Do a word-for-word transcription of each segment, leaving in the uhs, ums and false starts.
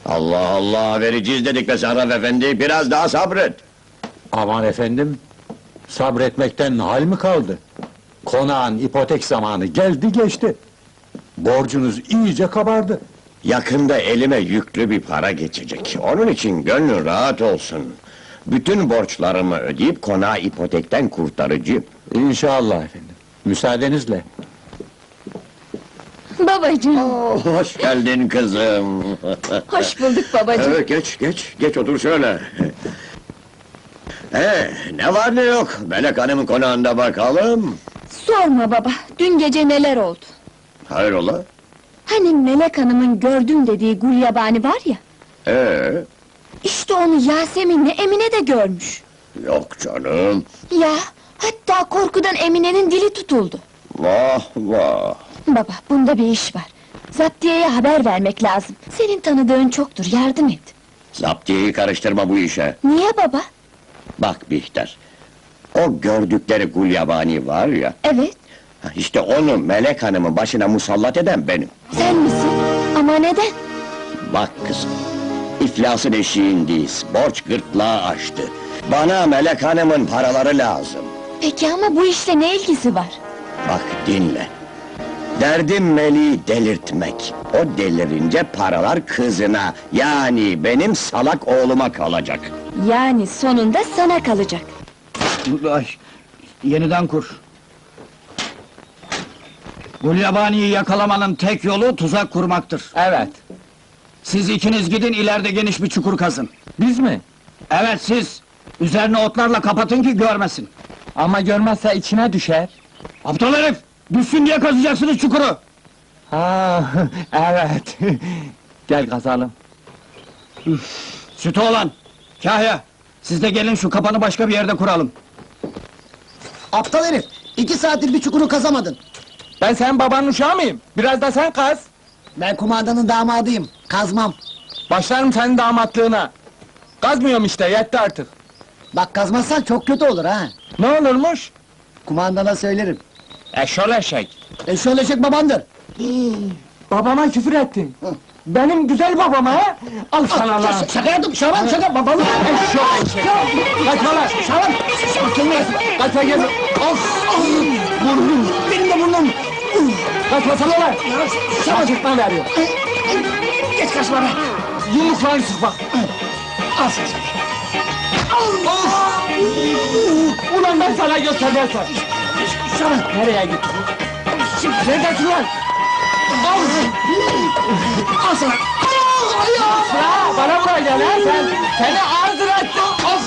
Allah Allah, vereceğiz dedik be Sarraf efendi, biraz daha sabret! Aman efendim, sabretmekten hal mi kaldı? Konağın ipotek zamanı geldi geçti. Borcunuz iyice kabardı. Yakında elime yüklü bir para geçecek, onun için gönlün rahat olsun. Bütün borçlarımı ödeyip konağı ipotekten kurtaracağım. İnşallah efendim, müsaadenizle. Babacığım, Oh, hoş geldin kızım! hoş bulduk babacığım. Evet, geç, geç, geç otur şöyle. Ee, ne var ne yok, Melek Hanım'ın konağında bakalım. Sorma baba, dün gece neler oldu? Hayrola? Hani Melek Hanım'ın gördüm dediği gulyabani var ya... Ee, ...işte onu Yasemin'le Emine de görmüş. yok canım! Ya, hatta korkudan Emine'nin dili tutuldu. Vah vah! Baba, bunda bir iş var. Zaptiye'ye haber vermek lazım. Senin tanıdığın çoktur, yardım et. Zaptiyeyi karıştırma bu işe. Niye baba? Bak Bihter, o gördükleri gulyabani var ya... Evet, ...işte onu Melek Hanım'ın başına musallat eden benim. sen misin? Ama neden? Bak kızım, iflasın eşiğindeyiz, borç gırtlağı aştı. Bana Melek Hanım'ın paraları lazım. Peki ama bu işle ne ilgisi var? Bak dinle. Derdim Melih'i delirtmek. O delirince paralar kızına, yani benim salak oğluma kalacak. Yani sonunda sana kalacak. Ay, yeniden kur. Gulyabani'yi yakalamanın tek yolu tuzak kurmaktır. Evet, Siz ikiniz gidin, ileride geniş bir çukur kazın. biz mi? Evet siz! Üzerine otlarla kapatın ki görmesin. Ama görmezse içine düşer. Aptal herif! Düşsün diye kazacaksınız çukuru! Ha, evet. Gel kazalım. Sütü olan! Kahya! Siz de gelin şu kapanı başka bir yerde kuralım. Aptal herif! İki saattir bir çukuru kazamadın. Ben senin babanın uşağı mıyım? Biraz da sen kaz. Ben kumandanın damadıyım, kazmam. Başlarım senin damatlığına. Kazmıyorum işte, yetti artık. Bak kazmazsan çok kötü olur ha! Ne olurmuş? Kumandana söylerim. Eşol eşek. E şöyle çek babandır! Babama küfür ettin. Benim güzel babama ha? Al sana lan! Şaka yaptım, Şaban şaka, babalı! Eşol eşek! Kaçma lan! Şaban! Kaçma gel! Of! Burnum! Benim de burnum! Kaçma sana lan! Sana çıkma veriyor! Geç karşıma be! Yumruklarını sık bak! Al sen! Ulan ben sana göstermezsem! Şaban! Nereye gitti? Şimdi Neredesin lan? al! Al sana! Ya bana buraya gel ha sen! Seni ağzına ettim! Of!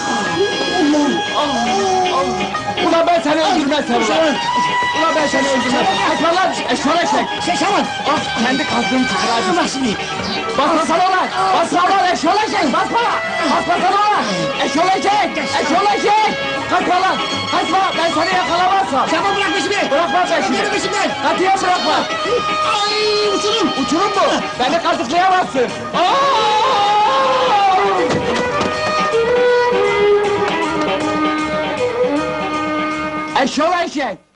Ulan ben seni öldürmezsem ulan! Ulan ben seni öldürmezsem! Kaçma lan! Eşol eşek! Şey Şaban! Of! Kendi kazdığım çukura Al düştüm! bak şimdi! Basma sana lan! Basma lan eşol eşek! Basma! Basma sana lan! Eşol eşek! Eşol eşek! Kaçma lan! Kaçma! Ben seni yakalamazsam! Şaban bırak peşimi! Bırakmam peşimi! Yürü peşimden! Katiyen bırakma! Ay uçurum! Uçurum mu? Beni kazıklayamazsın! Aaaa! Eşol eşek!